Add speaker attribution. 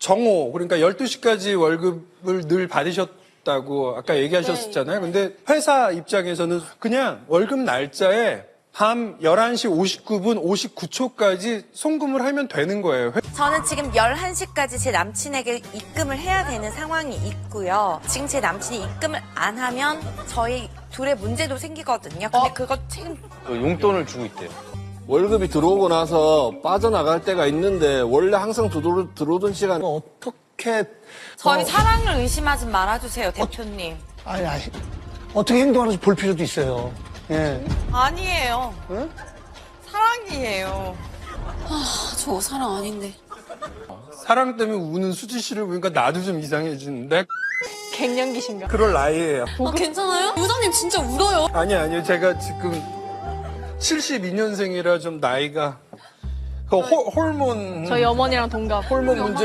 Speaker 1: 정오, 그러니까 12시까지 월급을 늘 받으셨다고 아까 얘기하셨잖아요. 근데 회사 입장에서는 그냥 월급 날짜에 밤 11시 59분 59초까지 송금을 하면 되는 거예요.
Speaker 2: 저는 지금 11시까지 제 남친에게 입금을 해야 되는 상황이 있고요. 지금 제 남친이 입금을 안 하면 저희 둘의 문제도 생기거든요. 근데 그거 책임
Speaker 3: 용돈을 주고 있대요.
Speaker 4: 월급이 들어오고 나서 빠져나갈 때가 있는데 원래 항상 들어오던 시간
Speaker 5: 어떻게
Speaker 2: 저희 사랑을 의심하지 말아주세요, 대표님.
Speaker 5: 아니 어떻게 행동하는지 볼 필요도 있어요. 예.
Speaker 2: 아니에요. 사랑이에요.
Speaker 6: 저 사랑 아닌데.
Speaker 1: 사랑 때문에 우는 수지 씨를 보니까 나도 좀 이상해지는데
Speaker 6: 갱년기신가?
Speaker 1: 그럴 나이예요.
Speaker 6: 괜찮아요? 부장님 진짜 울어요.
Speaker 1: 아니요. 제가 지금 72년생이라 좀 나이가 그 호르몬
Speaker 6: 저희 어머니랑 동갑.
Speaker 1: 호르몬 문제